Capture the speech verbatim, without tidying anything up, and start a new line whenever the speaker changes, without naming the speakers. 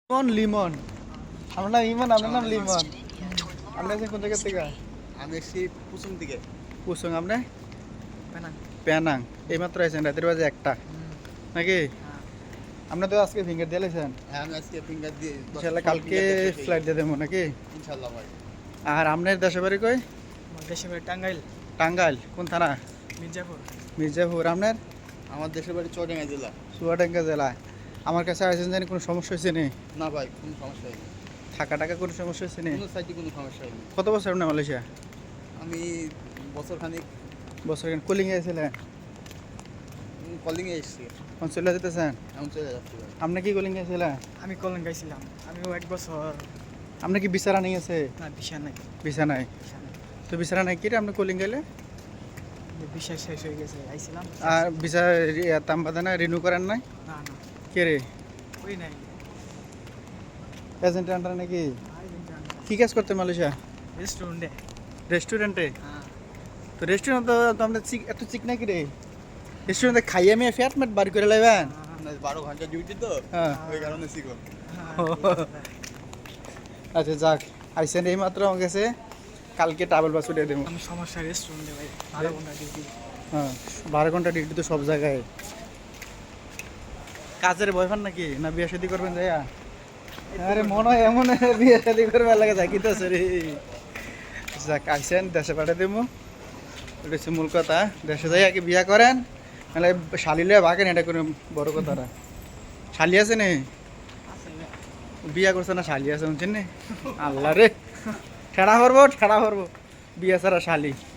লিমন লিমন আমার নাম ইমন, আপনার নাম লিমন। আপনি আছেন কোন জায়গা থেকে?
আমি এসেছি পুসুম দিকে।
কুসুং, আপনি
পেনাং।
পেনাং। এইমাত্র আছেন, রাতের বাজে একটা নাকি? আপনি তো আজকে ফিঙ্গার দিয়ে লাইছেন।
হ্যাঁ, আমি আজকে ফিঙ্গার দিয়ে
ইনশাল্লাহ কালকে ফ্লাইট দিয়ে দেবো নাকি?
ইনশাল্লাহ ভাই।
আর আপনার দেশে বাড়ি কই?
আমার দেশের বাড়ি টাঙ্গাইল,
টাঙ্গাইল। কোন থানা?
মির্জাপুর।
মির্জাপুর। আপনার?
আমার দেশের বাড়ি চুয়াডাঙ্গা জেলা।
চুয়াডাঙ্গা জেলা। আমার কাছে আসেন জানি কোনো সমস্যা হয়েছে নি?
না ভাই, কোনো সমস্যা হয়নি।
থাকা টাকা কোনো সমস্যা হয়েছে নি?
কোনো সাইডে কোনো সমস্যা হয়নি।
কত বছর আপনি মালয়েশিয়া?
আমি বছর খানিক
বছর কলিং গেছিলেন?
কলিংয়ে এসেছি।
কোন চলে যেতেছেন?
এখন চলে যাচ্ছি ভাই।
আপনি কি কলিং গেছিলেন?
আমি কলম গাইছিলাম, আমিও এক বছর।
আপনি কি বিচারা নিয়ে আছে?
না, বিষয় নাই,
ভিসা নাই?
বিষয় নাই।
তো বিচারা নাই কি রে আপনি কলিং গেলে?
যে বিষয় শেষ হয়ে গেছে, আইছিলাম।
আর ভিসা তাম বাদে না রিনিউ করেন নাই?
না না,
কে রে?
ওই নাই।
এজেন্ট আন্ডার নাকি? কি কাজ করতে মালয়েশিয়া?
রেস্টুরেন্টে।
রেস্টুরেন্টে?
হ্যাঁ।
তো রেস্টুরেন্ট তো তো আমরা চিক এত চিক নাকি রে? রেস্টুরেন্টে খাইয়ে মেয়ে ফ্যাট ম্যাট বাড়ি করে লাইবেন?
আপনার বারো ঘন্টা ডিউটি তো,
হ্যাঁ।
ওই কারণে শিখো।
আচ্ছা যাক, আইসেন এই মাত্র আমার কাছে, কালকে ট্রাভেল পাস উঠিয়ে দেবো।
আমি সমস্যা রেস্টুরেন্টে ভাই, বারো ঘন্টা ডিউটি।
হ্যাঁ, বারো ঘন্টা ডিউটি তো সব জায়গায়। কাজের বয়ফ্রেন্ড নাকি, না বিয়ে শাদী করবেন যাইয়া? আরে মনে হয় এমন বিয়ে শাদী করবে লাগে যাকি তো রে। যাক আইসেন, দেশে পাঠিয়ে দেবো, এটা হচ্ছে মূল কথা। দেশে যাই আগে বিয়া করেন, নাহলে শালি লয়ে ভাগেন, এটা কোনো বড় কথা না। শালি আছে নে? বিয়া করছে না শালি আছে, শুনছেন নে? আল্লাহ রে, ঠেড়া করবো ঠেড়া করবো, বিয়া ছাড়া শালি।